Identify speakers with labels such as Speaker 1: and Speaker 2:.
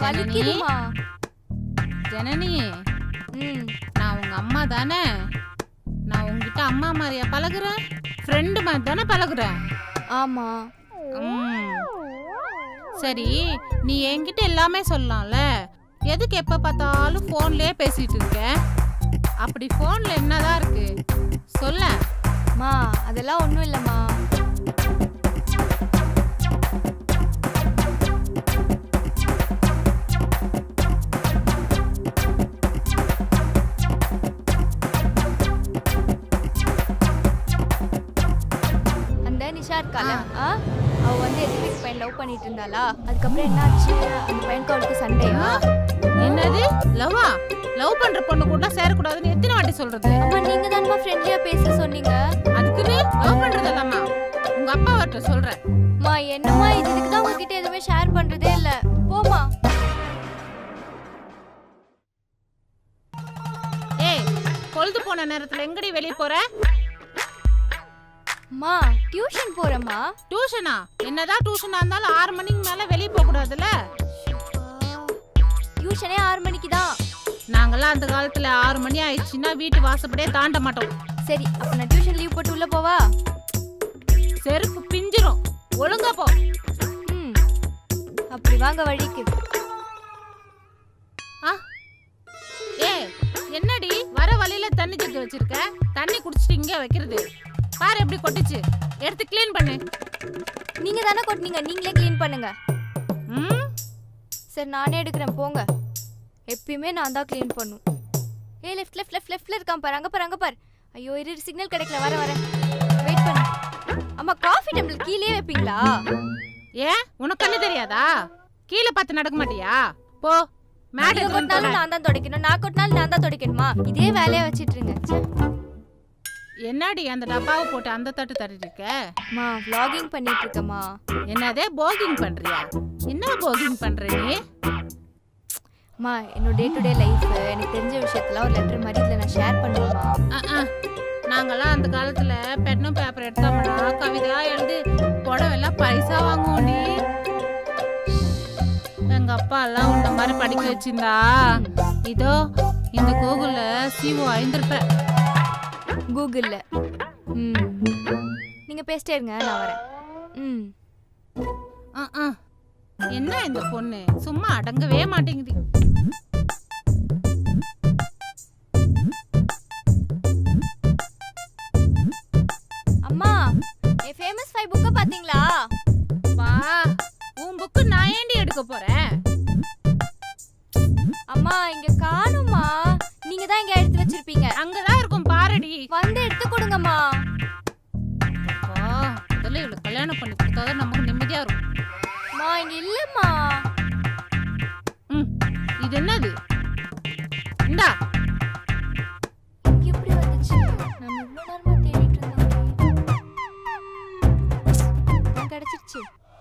Speaker 1: வலிக்குதுமா.
Speaker 2: ஜனனி,
Speaker 1: ம்.
Speaker 2: நான் உங்க அம்மா தானே? நான் உங்ககிட்ட அம்மா மாதிரியா பழகுறேன்? ஃப்ரெண்டு மாதிரி தானே பழகுறேன்?
Speaker 1: ஆமா.
Speaker 2: ம். சரி, நீ என்கிட்ட எல்லாமே சொல்லலாம்ல. எதுக்கு எப்ப பார்த்தாலும் போன்லயே பேசிட்டு இருக்க? அப்படி போன்ல என்னதான் இருக்கு சொல்ல?
Speaker 1: மா அதெல்லாம் ஒண்ணும் இல்லம்மா. அந்த நிஷா இருக்கால, அவ வந்து எதிர்ப்பு பையன் லவ் பண்ணிட்டு இருந்தாளா? அதுக்கப்புறம் என்னாச்சு? அந்த பையனுக்கு அவளுக்கு சண்டையா?
Speaker 2: என்னது லவ்வா? லவ் பண்ற பொண்ணு கூட சேரக்கூடாதுன்னு எத்தனை வாட்டி சொல்றது?
Speaker 1: அம்மா நீங்க தானமா ஃப்ரெண்ட்லியா பேச சொன்னீங்க.
Speaker 2: அதுக்குன்னு லவ் பண்றதல்லம்மா உங்க அப்பா வரட்ட சொல்றேன்.
Speaker 1: மா என்னம்மா இதுக்கு தான் உங்ககிட்ட எதுவுமே ஷேர் பண்றதே இல்ல. போமா.
Speaker 2: ஏய், பொழுது போன நேரத்துல எங்கடி வெளிய போற?
Speaker 1: மா டியூஷன் போறேம்மா.
Speaker 2: டியூஷனா? என்னதான் டியூஷனா இருந்தாலும் 6 மணிக்கு மேல வெளிய போக கூடாதுல?
Speaker 1: டியூஷனே 6 மணிக்கு தான்.
Speaker 2: நாங்கெல்லாம் அந்த காலத்துல 6 மணி ஆயிடுச்சுன்னா வீட்டு வாசப்படியே தாண்ட மாட்டோம்.
Speaker 1: சரி, அப்ப நான் டியூஷன் லீவ் போட்டு உள்ள போவா?
Speaker 2: செருப்பு பிஞ்சிரும். ஒழுங்கா போ.
Speaker 1: ம். அப்படி வாங்க வழிக்கு.
Speaker 2: ஏய், என்னடி வர வழியில தண்ணி ஜக்கு வச்சிருக்க? தண்ணி குடிச்சிட்டு இங்க வைக்கிறது பாரு, எப்படி கொட்டிச்சு. எடுத்து க்ளீன் பண்ணு.
Speaker 1: நீங்க தானே கொட்டினீங்க, நீங்களே க்ளீன் பண்ணுங்க.
Speaker 2: ம்.
Speaker 1: சரி நானே எடுக்கிறேன் போங்க. எப்பயுமே நான் தான் க்ளீன் பண்ணும். ஏய் லெஃப்ட்ல இருக்கான் பாரு, அங்க பாரு. ஐயோ இரு, சிக்னல் கிடைக்கல, வரேன். வெயிட் பண்ணு. அம்மா காஃபி டம்ளர் கீழே வைப்பீங்களா?
Speaker 2: ஏன் உனக்கு கண்ணு தெரியாதா? கீழே பார்த்து நடக்க மாட்டியா? போ.
Speaker 1: நீங்க கொட்டினாலும் நான் தான் துடைக்கணும், நான் கொட்டினாலும் நான் தான் துடைக்கணுமா? இதே வேலையை வச்சிட்டு இருங்க.
Speaker 2: என்னடி அந்த டப்பாவை போட்டு அந்த தட்டு தட்டிட்டு இருக்க?
Speaker 1: மா vlogging பண்ணிட்டு இருக்கமா.
Speaker 2: என்னதே போகிங் பண்றியா? என்ன போகிங் பண்ற நீ?
Speaker 1: மா என்னோட டே டு டே லைஃப், எனக்கு தெரிஞ்ச விஷயத்தெல்லாம் ஒரு லெட்டர் மாதிரி இதில் நான் ஷேர் பண்ணுவேம்மா.
Speaker 2: நாங்கெல்லாம் அந்த காலத்துல பென்னும் பேப்பர் எடுத்தோம்னா கவிதா எழுதி புடவெல்லாம் பைசா வாங்குவோம். எங்க அப்பா எல்லாம் உன்ன மாதிரி படிக்க வச்சிருந்தா இதோ இந்த கூகுள்ல சிஓ ஆயிருப்ப.
Speaker 1: கூகுள்ல நீங்க பேசிட்டே இருங்க, நான் வரேன்.
Speaker 2: என்ன இந்த பொண்ணு சும்மா அடங்கவே மாட்டேங்குது.
Speaker 1: அம்மா என் ஃபேமஸ் 5 புக்க பாத்தீங்களா?
Speaker 2: பா, உன் புக்கு நான் ஏண்டி எடுக்க போறேன்?
Speaker 1: அம்மா இங்க காணுமா? நீங்க தான் இங்க எடுத்து வச்சிருப்பீங்க.
Speaker 2: அங்கதான் இருக்கும் பாரடி.
Speaker 1: வந்து எடுத்து கொடுங்கம்மா.
Speaker 2: முதல்ல இவளுக்கு கல்யாணம் பண்ணி கொடுத்தாதான் நமக்கு நிம்மதியா இருக்கும்.
Speaker 1: மா இங்க இல்லம்மா.
Speaker 2: இது என்னது? இந்தா